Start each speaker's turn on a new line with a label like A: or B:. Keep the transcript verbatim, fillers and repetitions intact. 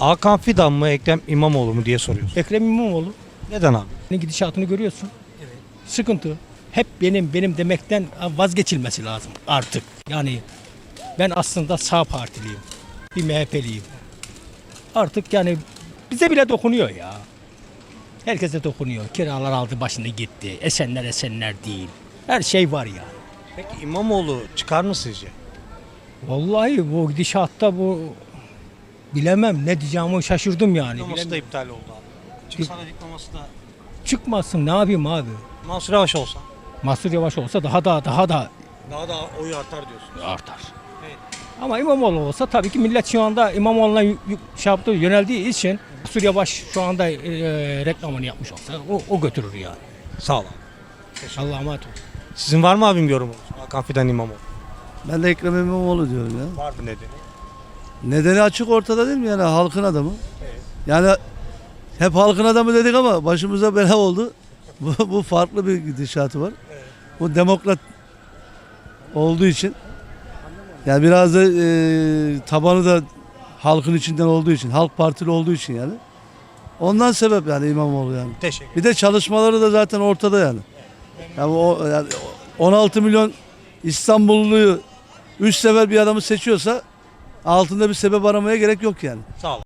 A: Hakan Fidan mı Ekrem İmamoğlu mu diye soruyoruz.
B: Ekrem İmamoğlu.
A: Neden abi?
B: Gidişatını görüyorsun. Evet. Sıkıntı. Hep benim benim demekten vazgeçilmesi lazım artık. Yani ben aslında sağ partiliyim. Bir M H P'liyim. Artık yani bize bile dokunuyor ya. Herkese dokunuyor. Kiralar aldı başını gitti. Esenler esenler değil. Her şey var ya.
A: Peki İmamoğlu çıkar mı sizce?
B: Vallahi bu gidişatta bu bilemem ne diyeceğimi şaşırdım yani.
A: Diploması da
B: Bilemiyorum.
A: iptal oldu abi. Çıksa da diploması da
B: Çıkmasın ne yapayım abi.
A: Mansur Yavaş olsa
B: Mansur Yavaş olsa daha da daha da
A: daha da oyu artar diyorsunuz.
B: artar.
A: Evet.
B: Ama İmamoğlu olsa tabii ki millet şu anda İmamoğlu'na y- y- şey yaptığı, yöneldiği için Mansur Yavaş şu anda e, reklamını yapmış olsa o, o götürür yani.
A: Sağ ol abi.
B: Allah'a emanet olun.
A: Sizin var mı abim yorumunuz? Hakan Fidan İmamoğlu.
C: Ben de Ekrem İmamoğlu diyorum ya.
A: Var mı nedeni?
C: Nedeni açık ortada değil mi yani halkın adamı? Yani hep halkın adamı dedik ama başımıza bela oldu. Bu, bu farklı bir gidişatı var. Bu demokrat olduğu için yani biraz da e, tabanı da halkın içinden olduğu için, halk partili olduğu için yani. Ondan sebep yani İmamoğlu yani.
A: Teşekkür
C: Bir de çalışmaları da zaten ortada yani. Yani o yani on altı milyon İstanbulluyu üç sefer bir adamı seçiyorsa altında bir sebep aramaya gerek yok yani.
A: Sağ ol.